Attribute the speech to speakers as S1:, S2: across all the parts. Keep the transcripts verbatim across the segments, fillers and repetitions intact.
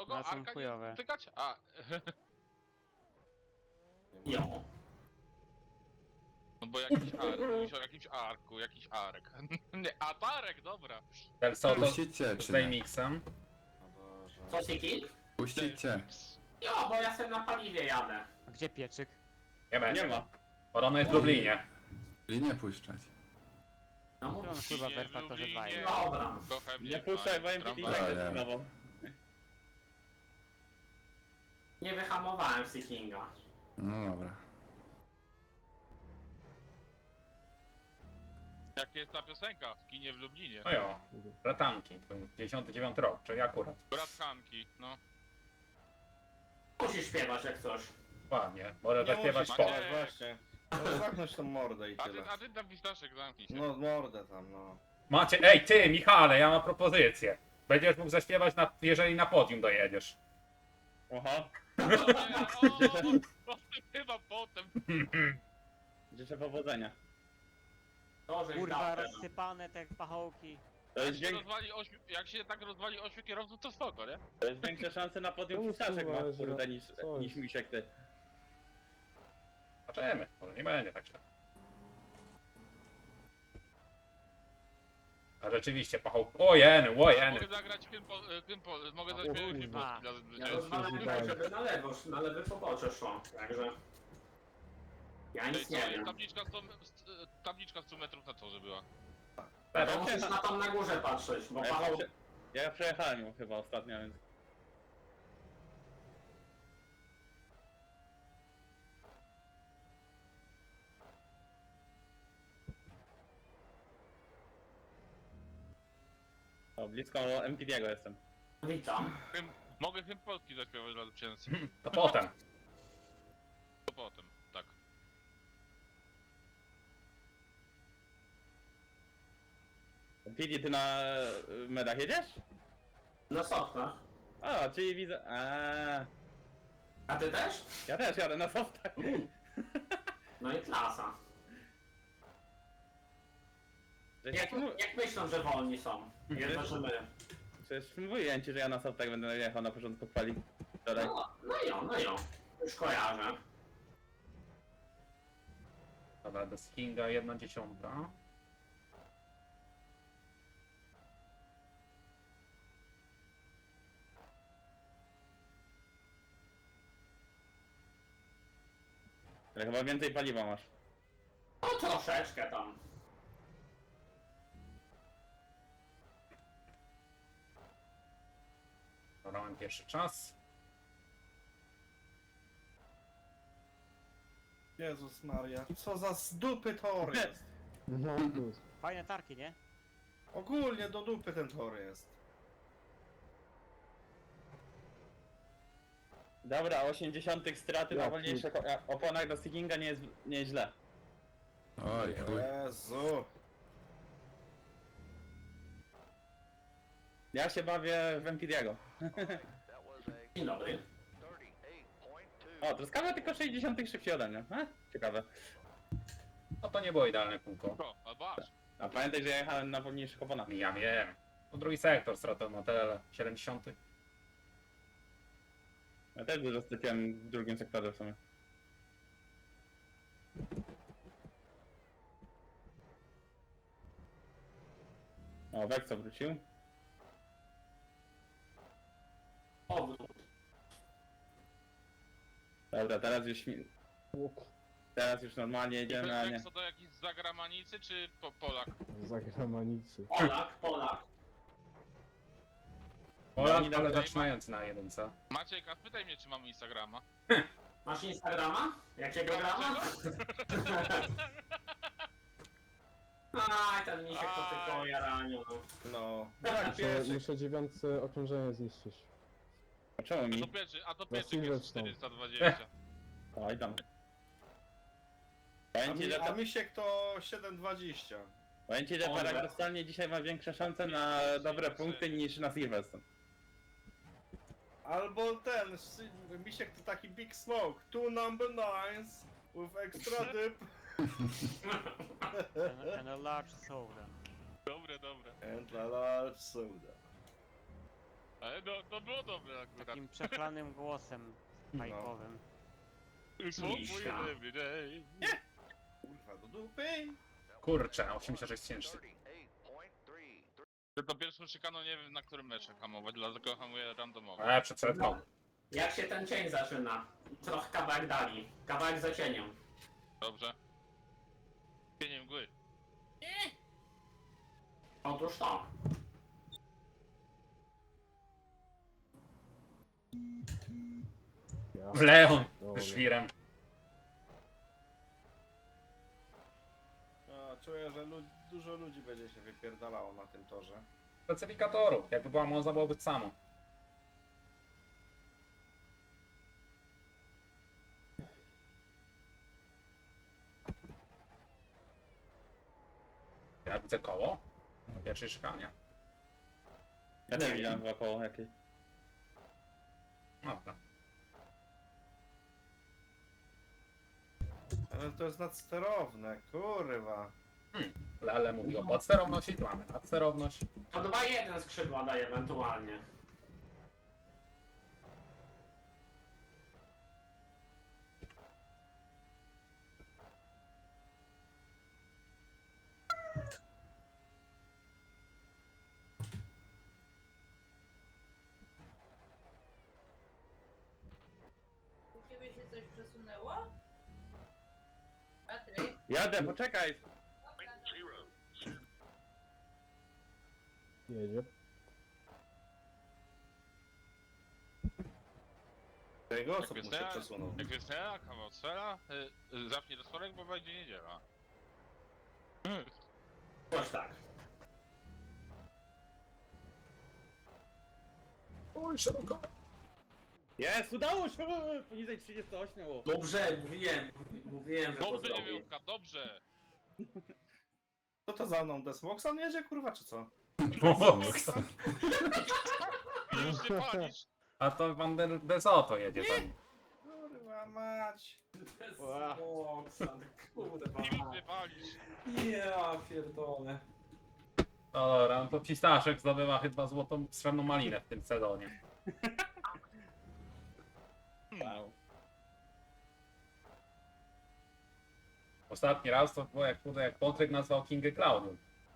S1: Kogo?
S2: No, są
S1: Arka nie
S2: chujowe.
S1: tykać? A.
S3: Jo.
S1: No bo jakiś ark, mówisz o jakimś arku, jakiś ark. Nie, atarek, dobra.
S4: Del Soto
S5: Puścicie
S4: z
S5: czy nie?
S4: Daymixem.
S6: O Boże.
S3: Co Siki?
S5: Puścicie.
S3: Jo, bo ja sobie na paliwie jadę.
S2: A gdzie pieczyk?
S4: Nie będzie.
S6: Nie ma.
S4: Podobno jest w Lublinie.
S5: I nie puszczać.
S3: No
S2: On
S3: mów.
S2: chyba
S1: Nie
S2: w R Faktorze
S1: lubi,
S2: dwa
S1: nie.
S2: jest.
S3: Dobra.
S1: Kocham
S6: Nie puszczaj, bo M P T
S1: tramwaj.
S6: tak
S5: Dobra.
S6: jest nową.
S3: Nie wyhamowałem Seekinga.
S5: No dobra.
S1: Jak jest ta piosenka w kinie w Lublinie?
S4: No jo, Bratanki, dziewięćdziesiąty dziewiąty rok, czyli akurat.
S1: Brat Hanki, no.
S3: Musisz śpiewać jak coś.
S4: Ładnie, może
S6: Nie
S4: zaśpiewać
S6: musisz
S4: po.
S1: Macie-
S6: śpiewać, właśnie. No, zamknąć tą mordę i
S1: A ty,
S6: tyle.
S1: a ty tam pistaszek zamknij się.
S6: No mordę tam, no.
S4: Macie, ej ty Michale, ja mam propozycję. Będziesz mógł zaśpiewać, na, jeżeli na podium dojedziesz.
S6: Oha.
S1: O, nie, o, o, chyba potem.
S6: Życzę powodzenia.
S3: To, żeś
S2: Kurwa,
S3: dał ten.
S2: rozsypane te pachołki.
S6: To
S1: Jak
S6: jest,
S1: się,
S6: wiek...
S1: rozwali ośmiu, jak się tak rozwali ośmiu kierowców, to spoko, nie?
S6: to jest większe szanse na podium
S7: No,
S6: pistaszek ma,
S7: kurwa,
S6: kurde,
S7: że-
S6: niż,
S7: co
S6: niż
S7: jest?
S6: misiek ty.
S4: Zobaczymy, może nie będzie tak źle. A rzeczywiście, pachoł... O jeny, o jeny.
S1: Mogę zagrać hymn, po, hymn, po, mogę zaśpiewać hymn
S2: kurwa.
S1: polski dla
S3: Ja
S1: zwycięzcy.
S3: rozwalałem, żeby na lewo, na lewy pobocze szło. Także... Ja
S1: Ej,
S3: nic
S1: co
S3: nie
S1: jest
S3: wiem.
S1: tabliczka sto, tabliczka sto metrów na torze była.
S3: To
S4: Teraz,
S3: musisz na tam na górze patrzeć, bo
S6: A ja,
S3: Paweł...
S6: prze... ja przejechałem ją chyba ostatnio, więc... O, blisko M P T'ego jestem.
S3: Witam.
S1: Hymn, mogę hymn polski zaśpiewać dla zwycięzcy.
S4: to potem.
S1: To potem, tak.
S6: M P T, ty na y, medach jedziesz?
S3: Na softach.
S6: A, czyli widzę... A,
S3: A ty też?
S6: ja też jadę na softach.
S3: No i klasa.
S6: Żeś
S3: Jak,
S6: mu-
S3: jak myślą, że wolni są? Jedno, że my.
S6: Przecież mówiłem ci, że ja na softach będę jechał na początku chwali. Wczoraj.
S3: No, no jo, no jo. Już kojarzę.
S4: Dobra, do Skinga jedna dziesiąta.
S6: Ale chyba więcej paliwa masz.
S3: No troszeczkę tam.
S4: Dobra, mam pierwszy czas.
S8: Jezus Maria, co za z dupy tor jest.
S7: No, plus.
S2: Fajne tarki, nie?
S8: Ogólnie do dupy ten tor jest.
S6: Dobra, osiemdziesiąt straty
S7: Ja
S6: na wolniejszych o- oponach do stickinga nie jest, nie jest źle.
S5: Oj, chuj.
S8: Jezu.
S6: Ja się bawię w M P T'ego.
S3: Dzień dobry.
S6: O, truskawa tylko sześćdziesiąt szybciej ode mnie. A? Ciekawe.
S4: No to nie było idealne kółko.
S1: O, albo aż.
S6: A pamiętaj, że ja jechałem na wolniejszych oponach.
S4: Ja wiem. To drugi sektor, strata motel siedemdziesiąty.
S6: Ja też dużo straciłem w drugim sektorze w sumie. O, Vexo wrócił.
S3: Powrót.
S6: Dobra, teraz już mi... Teraz już normalnie jedziemy, a nie...
S1: Co to jakiś z zagranicy czy po, Polak?
S7: Zagranicy.
S3: Polak, Polak.
S4: Polak,
S6: oni
S4: ale
S6: tam-
S4: zaczynający na jedynce.
S1: Maciek, a spytaj mnie, czy mam Instagrama.
S3: Masz Instagrama? Jakiego grama? Aj, ten misiek to tylko jaraniu.
S8: No.
S3: Tak,
S8: Jak
S7: Muszę,
S8: pierwszy.
S7: muszę dziewiątce okrążenia zniszczyć.
S6: A czemu
S1: A
S6: mi?
S1: to pierwszy, a to
S7: Na
S1: pierwszy jest
S7: Silverstone.
S1: czterysta dwadzieścia.
S6: Oj tam.
S8: A,
S6: Powiem ci,
S8: mi,
S6: że,
S8: a
S6: to,
S8: misiek to siedem dwadzieścia.
S6: powiem ci, że
S3: Może.
S6: paradoksalnie dzisiaj ma większe szanse na dobre punkty niż na Silverstone.
S8: Albo ten, si- misiek to taki big smoke. Two number nines with extra dip
S2: And, and a large soda.
S1: Dobre, dobre.
S8: and a large soda.
S1: Ale no, to było dobre akurat.
S2: Takim przeklanym głosem bajkowym.
S3: Miśka.
S8: Kurwa, do dupy.
S4: Kurczę, osiemdziesiąt sześć tysięcy.
S1: To pierwszą szykaną nie wiem na którym meczu hamować, dlatego hamuję randomowo.
S4: E, przed setką.
S3: Jak się ten cień zaczyna? Trochę kawałek dali. Kawałek za cieniem.
S1: Dobrze. Cieniem mgły.
S3: Otóż to.
S7: Ja.
S4: W Leon.
S7: Dobra.
S4: Żwirem.
S8: A, czuję, że lu dużo ludzi będzie się wypierdalało na tym torze.
S4: Specyfikatorów. Jakby była Monza, byłoby to samo. Ja widzę koło. Na pierwszej szykanie.
S6: Ja nie widziałem wokoło jakiej.
S4: Dobra.
S8: Ale to jest nadsterowne, kurwa.
S4: Lele mówi o podsterowności, tu mamy nadsterowność.
S3: To dwa jeden skrzydła daje ewentualnie.
S9: U ciebie się coś przesunęło? Patryk?
S6: Jadę, poczekaj!
S7: Jedzie.
S8: Tego
S1: Jak
S8: osób mu
S1: jest
S8: się
S1: ja-
S8: przesunął.
S1: Jak jest ja, kawał sfera, y, y, zapnij rozporek, bo będzie niedziela.
S3: Coś tak.
S4: Oj, szeroko.
S6: Jest, udało się! Poniżej trzydzieści osiem. o.
S3: Dobrze, mówiłem. Mówiłem, że to
S1: Dobrze,
S3: zrobi.
S1: dziewiątka, dobrze!
S8: Co to za mną? Desmoxan jedzie, kurwa, czy co?
S1: I już się palisz!
S4: A to Van der Desoto jedzie tam.
S8: Kurwa mać.
S3: Desmoxan, kurwa.
S1: I już się palisz!
S3: Ja pierdolę.
S4: No dobra, no to Pistaszek zdobywa chyba złotą, srebrną malinę w tym sezonie.
S6: Wow.
S4: Ostatni raz to było jak, kurde, jak Patryk nazwał Kingę Klaudium.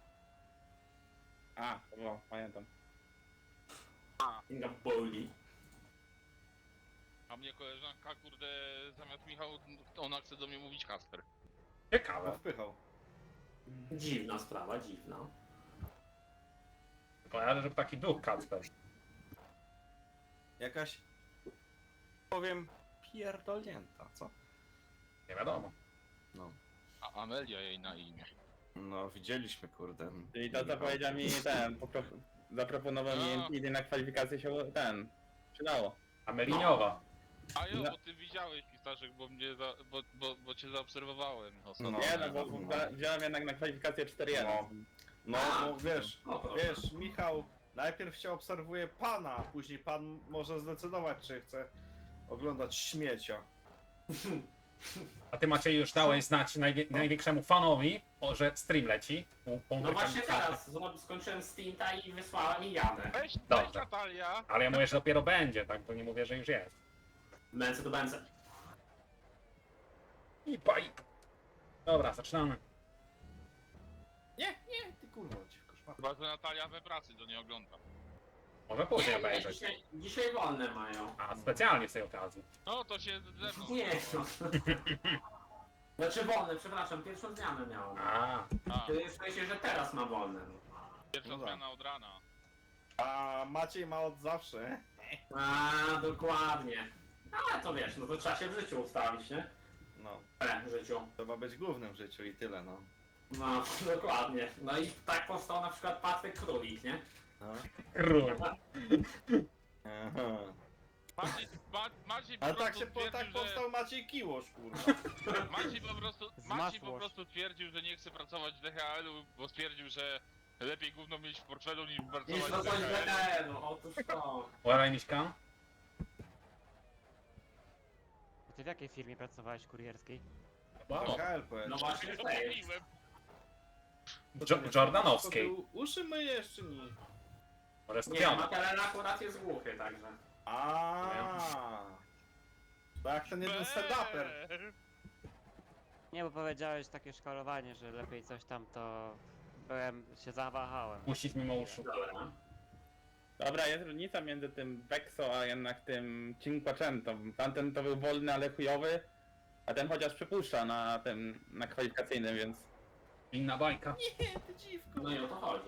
S6: A, to było, pamiętam.
S3: Inga boli.
S1: A mnie koleżanka, kurde, zamiast Michał, ona chce do mnie mówić Kasper.
S8: No,
S4: Ciekawe.
S8: wpychał.
S3: Dziwna sprawa, dziwna.
S4: Kojarzę, że taki duch Kacper.
S8: Jakaś... Powiem... pierdolnięta, co?
S4: Nie wiadomo.
S8: No.
S1: A Amelia jej na imię.
S8: No, widzieliśmy, kurde.
S6: Czyli to co powiedział mi ten, popro... zaproponował
S1: No.
S6: mi idę na kwalifikację się ten, przydało.
S4: Ameliniowa.
S1: A jo,
S6: No.
S1: bo ty widziałeś Pistaszek, bo mnie za, bo, bo, bo cię zaobserwowałem ostatnio.
S8: No.
S6: Nie no, bo bo wziąłem jednak na kwalifikację cztery jeden.
S8: No, no wiesz,
S3: O, proszę.
S8: wiesz, Michał najpierw się obserwuje pana, później pan może zdecydować, czy chce oglądać śmiecia.
S4: A ty Maciej już dałeś znać najwie największemu fanowi, o, że stream leci. U
S3: No
S4: Pączka
S3: właśnie
S4: Michalka.
S3: teraz zro- skończyłem Stinta i wysłałem i jadę.
S1: Weź,
S4: Dobrze.
S1: weź Natalia!
S4: Ale ja mówię, że dopiero będzie, tak? To nie mówię, że już jest.
S3: Bęce do bęce.
S4: I paj. Dobra, zaczynamy.
S8: Nie, nie, ty kurwa, ci koszmar.
S1: Chyba, że Natalia we pracy, to nie ogląda.
S4: Może później
S3: Nie, nie,
S4: obejrzeć.
S3: dzisiaj, dzisiaj wolne mają.
S4: A, specjalnie z tej okazji.
S1: No to się ze mną.
S3: Nie no. Znaczy wolne, przepraszam, pierwszą zmianę miałem.
S4: A,
S1: A,
S3: Ty w sensie, że teraz ma wolne.
S1: pierwsza
S8: No tak.
S1: zmiana od rana.
S8: A Maciej ma od zawsze.
S3: A, dokładnie. Ale to wiesz, no to trzeba się w życiu ustawić, nie?
S8: No,
S3: E, w życiu.
S8: trzeba być głównym w życiu i tyle, no.
S3: No, dokładnie. No i tak powstał na przykład Patryk Królik, nie?
S8: no.
S4: król.
S8: Aha.
S1: Maciej, Ma, Maciej po
S8: Ale tak
S1: prostu
S8: się po, tak
S1: twierdził, że...
S8: powstał Maciej Kiłosz, kurwa.
S1: Maciej po prostu,
S2: Z
S1: Maciej po
S2: masło.
S1: prostu twierdził, że nie chce pracować w D H L-u, bo stwierdził, że lepiej gówno mieć w portfelu niż
S3: I
S1: pracować
S3: to
S1: w
S3: coś
S1: D
S3: w
S1: H L-u.
S3: D H L-u, otóż to.
S4: Uważaj, Miśka.
S2: Ty w jakiej firmie pracowałeś kurierskiej?
S4: Wow.
S8: D H L powiedz.
S3: No właśnie w tej.
S1: Zapomniłem.
S4: Jo Jordanowskiej.
S8: To ty uszy myjesz czy nie?
S4: Może
S3: Nie,
S4: skupiony.
S3: Makelen akurat jest głuchy, także.
S8: A. Tak, ten jeden stand-uper.
S1: Eee.
S2: Nie, bo powiedziałeś takie szkalowanie, że lepiej coś tam, to byłem, się zawahałem.
S4: Puścić mimo uszu.
S3: Dobra.
S6: Dobra, jest różnica między tym Vexo, a jednak tym Cinquecento. Tamten to był wolny, ale chujowy, a ten chociaż przypuszcza na tym, na kwalifikacyjnym, więc...
S4: Inna bajka.
S8: Nie, ty dziwko.
S3: No i o to chodzi.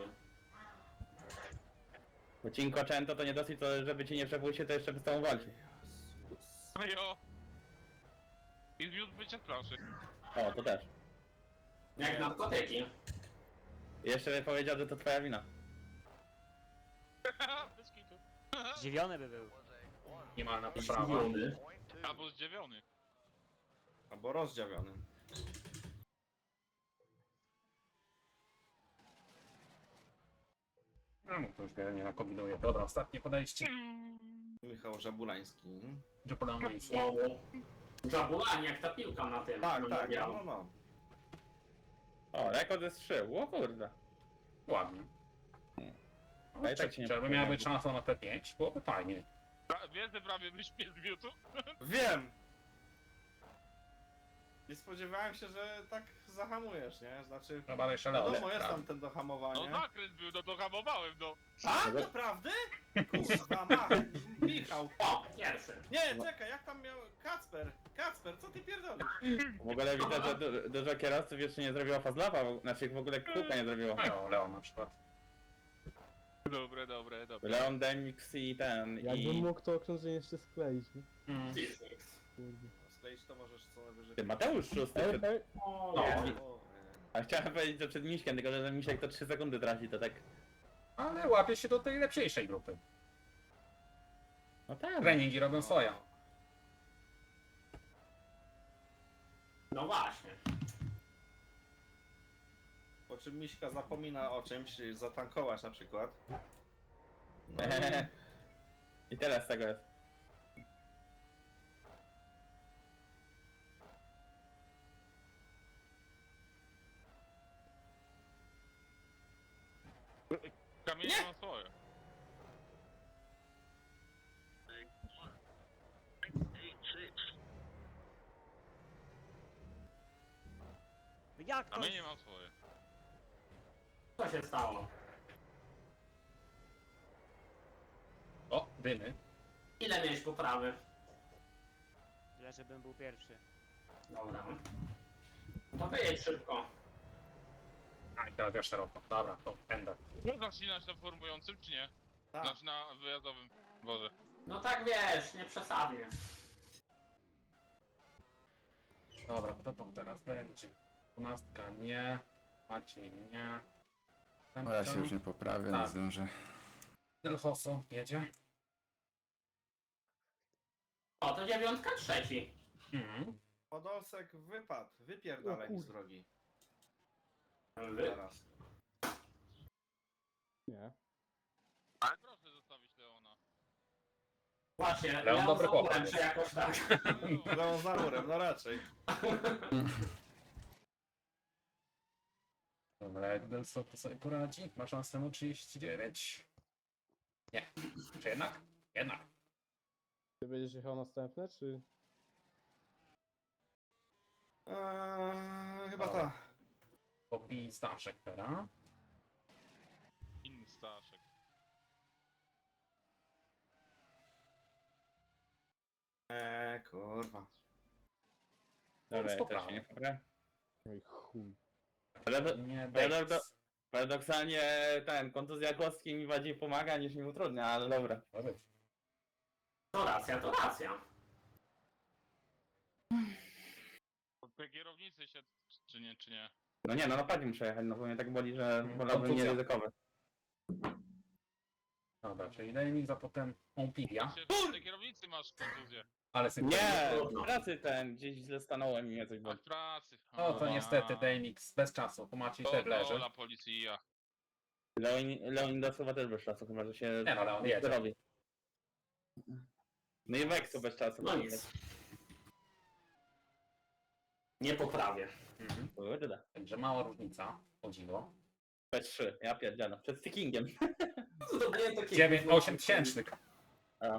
S6: Bo Cinquecento to nie dosyć, to, żeby ci nie przepuścił, to jeszcze by z tobą walczył.
S1: No jo. I zwiódł bycie z planszy.
S6: O, to też.
S3: Jak narkotyki.
S6: I jeszcze by powiedział, że to twoja wina.
S1: Bez kitu.
S2: Zdziwiony by był.
S4: Minimalna poprawa.
S3: Zdziwiony.
S1: Albo zdziwiony.
S8: Albo rozdziawiony.
S4: No, to już wiele nie nakombinuje. Dobra, ostatnie podejście.
S8: Michał Żabulański.
S4: Żepolony.
S3: Znowu. Żabulani, jak ta piłka na tym.
S8: Tak,
S3: na
S8: tak,
S3: mundialu.
S8: no, no.
S6: O, rekord jest trzy, o kurde.
S4: Ładnie.
S6: A
S4: No,
S6: i tak się nie
S4: żeby
S6: podoba.
S4: miała być szansa na P pięć, byłoby fajnie.
S1: Pra- Wiesz, że prawie wyśpię z miutu?
S8: Wiem! Nie spodziewałem się, że tak zahamujesz, nie? Znaczy,
S4: Chyba jeszcze lepiej.
S8: wiadomo, jest tam ten do
S1: No
S8: hamowania.
S1: zakręt był, no to hamowałem, no.
S8: A, naprawdę? Kurwa, ma, Michał.
S3: O, pierwszy.
S8: Nie, czekaj, jak tam miał... Kacper, Kacper, co ty pierdolisz?
S6: W ogóle widzę, że du dużo kierowców jeszcze nie zrobiło fazlapa, znaczy w ogóle kółka nie zrobiło.
S4: No, Leon na przykład.
S1: Dobre, dobre, dobre.
S6: Leon Demix i ten,
S7: Jakbym
S6: i...
S7: mógł to okrążenie jeszcze skleić, nie?
S4: Mm.
S3: Disnix.
S7: Kurde.
S8: Skleić to możesz co najwyżej.
S6: Ty, Mateusz Szósty
S7: Ej,
S6: przed...
S7: ej,
S3: O,
S4: No.
S3: nie.
S8: O,
S6: A chciałem powiedzieć, że przed Miśkiem, tylko że Misiek to trzy sekundy traci, to tak...
S4: Ale łapie się do tej lepszej grupy.
S6: No tak.
S4: Treningi robią swoje.
S3: No właśnie.
S8: Po czym Miśka zapomina o czymś, zatankować na przykład. No,
S6: I tyle z tego jest.
S1: Kamienie ma swoje.
S2: Jak to?
S1: Kamienie ma swoje.
S3: Co się stało?
S4: O, dymy.
S3: Ile miałeś poprawy?
S2: Tyle, żebym był pierwszy.
S3: Dobra. To wyjedź szybko.
S4: A i teraz ja szeroko. Dobra, to będę.
S1: Można ścinać na formującym, czy nie?
S8: tak.
S1: Znaczy na wyjazdowym. Boże.
S3: No tak wiesz, nie przesadnie.
S4: Dobra, to tam teraz będzie. Dwunastka nie. Maciej nie.
S5: O, ja się już nie poprawię, nie
S4: Tak.
S5: zdążę.
S4: Del Hosso jedzie.
S3: O, to dziewiątka trzeci.
S4: Mhm.
S8: Podolsek wypadł, wypierdalaj
S7: O
S8: mi z
S7: kur-
S8: drogi.
S3: Wy...
S8: Teraz.
S7: nie.
S1: Ale proszę zostawić Leona.
S3: Właśnie,
S4: Leon
S3: Leon
S4: dobry
S3: Zaburem,
S4: chłopak
S3: czy jakoś tak.
S8: Leon za murem, no raczej.
S4: Dobra, jak Del Soto sobie poradzi? Ma szansę na trzydzieści dziewięć. Nie. Czy jednak? Jednak.
S7: Ty będziesz jechał następne, czy...
S8: Eee, chyba
S4: Dobra.
S8: ta.
S4: Popij Staszek teraz.
S1: Inny Staszek.
S8: Eee, kurwa.
S6: Dobra, ja
S4: Spoko.
S6: też się nie poprawię.
S7: Oj chuj.
S6: Ale
S4: Nie,
S6: Paradok-
S4: Davis.
S6: paradoksalnie ten, kontuzja kostki mi bardziej pomaga niż mi utrudnia, ale dobra.
S4: Dobra.
S3: To racja, to racja.
S1: Te kierownicy się, czy nie, czy nie?
S6: No nie, no na padzie muszę jechać, no bo mnie tak boli, że
S4: Mm,
S6: wolałbym nie
S4: kontuzja.
S6: ryzykować.
S4: Dobra, czyli Davis, a potem Pompilia.
S1: Się, te kierownicy masz kontuzję.
S4: Ale sobie
S6: Nie,
S3: trudno.
S6: w pracy ten, gdzieś źle stanąłem i mnie coś
S1: A
S6: boli.
S1: w pracy.
S4: No to niestety Davis bez czasu, po Maciej też leży.
S1: Ola policja.
S6: Leon, Leon do słowa też bez czasu, chyba że się
S4: Nie no, Leon jedzie.
S6: robi. No i Vexu bez czasu.
S3: No nic. Nie poprawię.
S4: Mhm.
S6: Kurde.
S4: Także mała różnica, o dziwo.
S6: P trzy, ja pierdzielę. Przed stickingiem.
S3: Zrobiłem takie...
S4: dziewięć, osiem tysięcznych.
S6: A.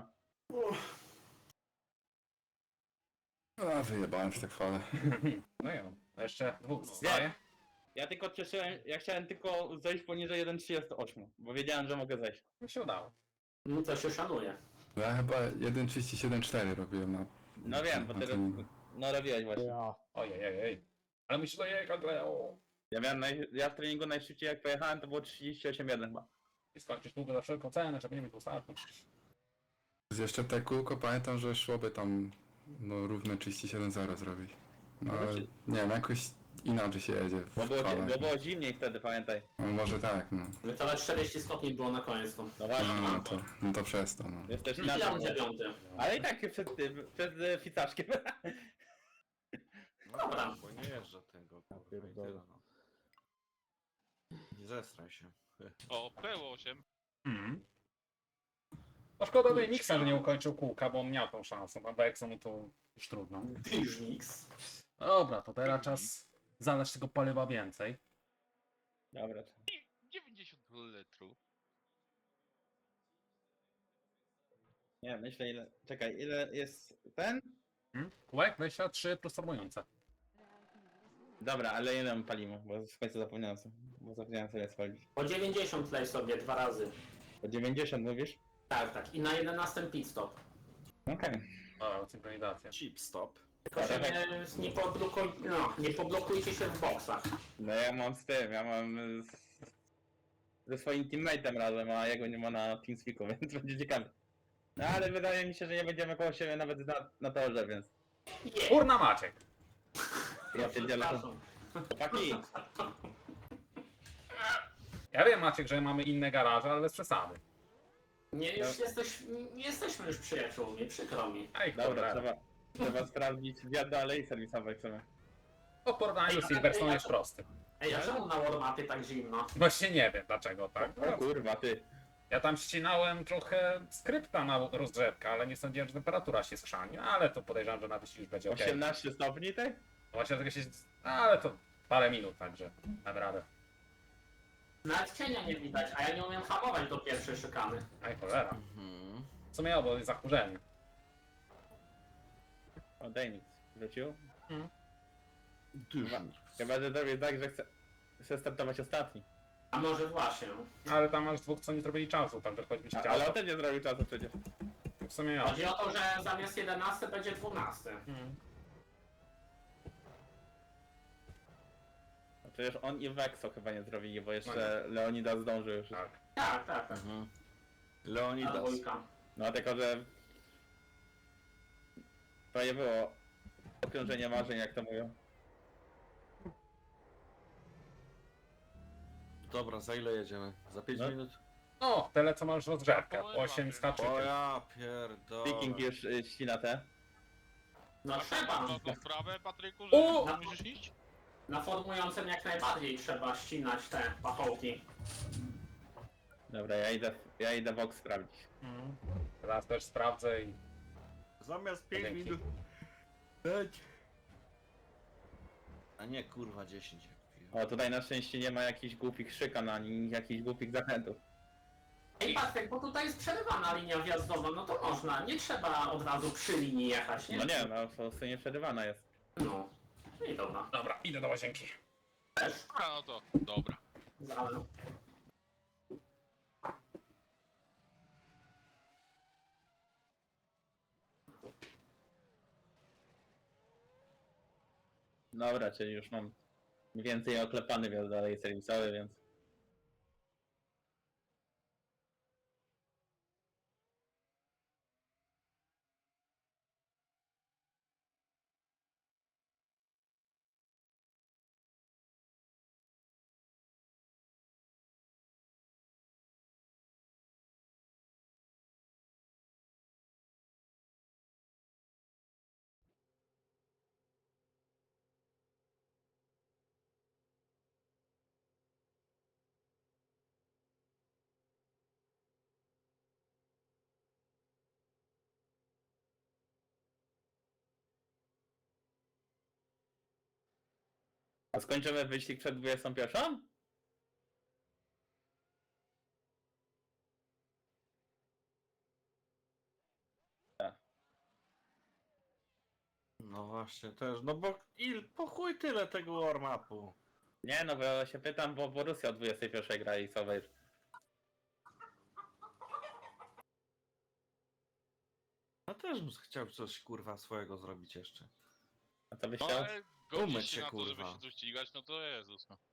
S5: A, wyjebałem się tak fale.
S4: No i on. To jeszcze dwóch zostaje.
S6: Ja tylko cieszyłem, ja chciałem tylko zejść poniżej jeden przecinek trzydzieści osiem, bo wiedziałem, że mogę zejść.
S4: Mi się udało.
S3: No to się szanuje.
S5: Ja chyba jeden trzydzieści siedem cztery robiłem na...
S6: No wiem, bo
S5: na
S6: ty
S5: treningu.
S6: no robiłeś właśnie.
S7: Ja.
S4: Ojej, ojej, ojej. Ale musisz dojechać, Leo.
S6: Ja miałem naj... ja w treningu najszybciej jak pojechałem to było trzydzieści osiem jeden chyba.
S4: I skończysz długo za wszelką cenę, żeby nie mieć ostatni.
S5: Jeszcze te kółko pamiętam, że szłoby tam no równe trzydzieści siedem zero zrobić. No ale
S6: Znaczy-
S5: nie wiem, jakoś inaczej się jedzie w
S6: Bo było,
S5: falach.
S6: bo było zimniej wtedy, pamiętaj.
S5: No może tak, no.
S3: No to nawet czterdzieści stopni było na koniec. To.
S6: No właśnie,
S5: No to, no to przez to, no.
S6: jest też
S3: I tam
S6: inaczej.
S3: dziewiąty.
S6: Ale i tak przed tym, przed e, ficaszkiem.
S3: Dobra.
S8: Bo nie jeżdżę tego, kurwa, i
S7: pierdolę.
S8: tyle, no. Nie zestraj się.
S1: O, P osiem.
S4: Mhm. No szkoda Dejniksa, że nie ukończył kółka, bo on miał tą szansę. A Bexo mu to już trudno.
S3: Już niks.
S4: Dobra, to teraz czas zalać tego paliwa więcej.
S6: Dobra.
S1: dziewięćdziesiąt litrów.
S6: Nie, myślę ile, czekaj, ile jest ten?
S4: Hmm? Kółek dwadzieścia trzy plus formujące.
S6: Dobra, ale ile my palimy, bo w końcu zapomniałem sobie, bo zapomniałem sobie spalić.
S3: Po dziewięćdziesiąt lej sobie dwa razy.
S6: Po dziewięćdziesiąt mówisz?
S3: Tak, tak. I na jedenastym pit stop.
S6: Okej.
S4: Dobra, synchronizacja.
S8: Chip stop.
S3: Tylko się nie, nie, poblokuj, no, nie poblokujcie się w boksach.
S6: No ja mam z tym, ja mam z, ze swoim teammate'em razem, a jego nie ma na TeamSpeaku, więc będzie ciekawe. No ale wydaje mi się, że nie będziemy koło siebie nawet na, na torze, więc...
S3: Yeah.
S4: Kurna Maciek!
S6: Ja pierdzielę.
S3: Przepraszam.
S6: Chłopaki,
S4: Ja wiem Maciek, że mamy inne garaże, ale bez przesady.
S3: Nie, już jesteś, nie jesteśmy już przyjaciółmi, przykro mi.
S4: Ej,
S6: dobra,
S4: dobra.
S6: trzeba, trzeba sprawdzić zwiat dalej serwisowe chcemy.
S4: Po porównaniu z Silverstone jest prosty.
S3: Ej, a czemu na warmapie tak zimno?
S4: Właśnie nie wiem dlaczego tak.
S6: O kurwa, ty.
S4: Ja tam ścinałem trochę skrypta na rozgrzewkę, ale nie sądziłem, że temperatura się skrzani, ale to podejrzewam, że na wyścigu już będzie ok.
S6: osiemnaście stopni, ty?
S4: Właśnie tego się... Ale to parę minut, także dam radę.
S3: Nawet cienia nie widać, a ja nie umiem hamować do pierwszej szykany.
S4: Aj cholera.
S8: Mhm.
S4: W sumie obo jest zakurzenie.
S6: O, Dejnik wrócił.
S8: Dużo.
S6: Chyba, że zrobię tak, że chcę, chcę startować ostatni.
S3: A może właśnie.
S4: Ale tam masz dwóch, co nie zrobili czasu, tam też choćby się
S6: A,
S4: chciało.
S6: ale on też nie zrobił czasu przecież.
S4: W sumie ja.
S3: Chodzi o to, że zamiast jedenasty będzie dwunasty.
S4: Hmm.
S6: No przecież on i Vexo chyba nie zrobili, bo jeszcze Leonidas zdążył już.
S4: Tak.
S3: Tak, tak, tak.
S8: Mhm.
S3: A
S8: Leonidas.
S3: dwójka.
S6: No tylko, że... To nie było okrążenie marzeń, jak to mówią.
S8: Dobra, za ile jedziemy? Za pięć
S6: No.
S8: minut?
S4: No, tyle co masz rozgrzewkę. osiem skaczy.
S8: O ja pierdolę.
S6: Viking już y, ścina te.
S3: No trzeba.
S1: No to sprawę, Patryku,
S4: O!
S1: że musisz iść?
S3: Na formującym jak najbardziej trzeba ścinać te pachołki.
S6: Dobra, ja idę, ja idę Vox sprawdzić.
S4: Hmm. Teraz też sprawdzę i...
S8: Zamiast pięć
S4: Dzięki.
S8: minut. Dać. A nie kurwa dziesięć jak piję.
S6: O, tutaj na szczęście nie ma jakichś głupich szykan, ani jakichś głupich zachętów.
S3: Ej Patryk, bo tutaj jest przerywana linia wjazdowa, no to można, nie trzeba od razu przy linii jechać, nie?
S6: No nie, no po prostu nie przerywana jest.
S3: No. I dobra.
S4: Dobra, idę do łazienki.
S3: Też.
S1: A no to, dobra.
S3: Ale...
S6: Dobra, czyli już mam mniej więcej oklepany wjazd dalej serwisowy, więc... A skończymy wyścig przed dwudziestą pierwszą?
S8: No właśnie, też, no bo il, po chuj tyle tego warm-upu.
S6: Nie no, bo ja się pytam, bo Borussia o dwudziestej pierwszej gra i co wiesz.
S8: Ja też bym chciał coś kurwa swojego zrobić jeszcze.
S6: A co byś
S1: No
S6: chciał?
S1: ale godzisz
S8: Umyć
S1: się
S8: się,
S1: na to, żeby
S8: kurwa.
S1: się tu ścigać, no to Jezus, no.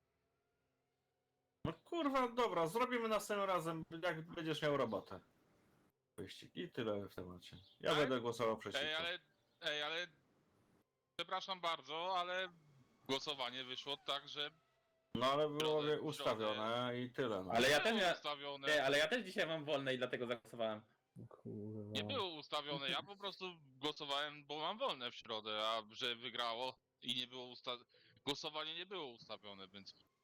S8: No kurwa, dobra, zrobimy następnym razem, jak będziesz miał robotę. Wyścig i tyle w temacie. Ja
S1: Ale-
S8: będę głosował przeciwko.
S1: Ej, ale, ej, ale... Przepraszam bardzo, ale głosowanie wyszło tak, że...
S8: No ale było
S1: Środę,
S8: ustawione i tyle. No.
S6: Ale ja
S1: było
S6: też mia-
S1: ustawione,
S6: Nie, ale ja też dzisiaj mam wolne i dlatego zagłosowałem.
S7: Kurwa.
S1: nie było ustawione, ja po prostu głosowałem, bo mam wolne w środę, a że wygrało i nie było usta... Głosowanie nie było ustawione, więc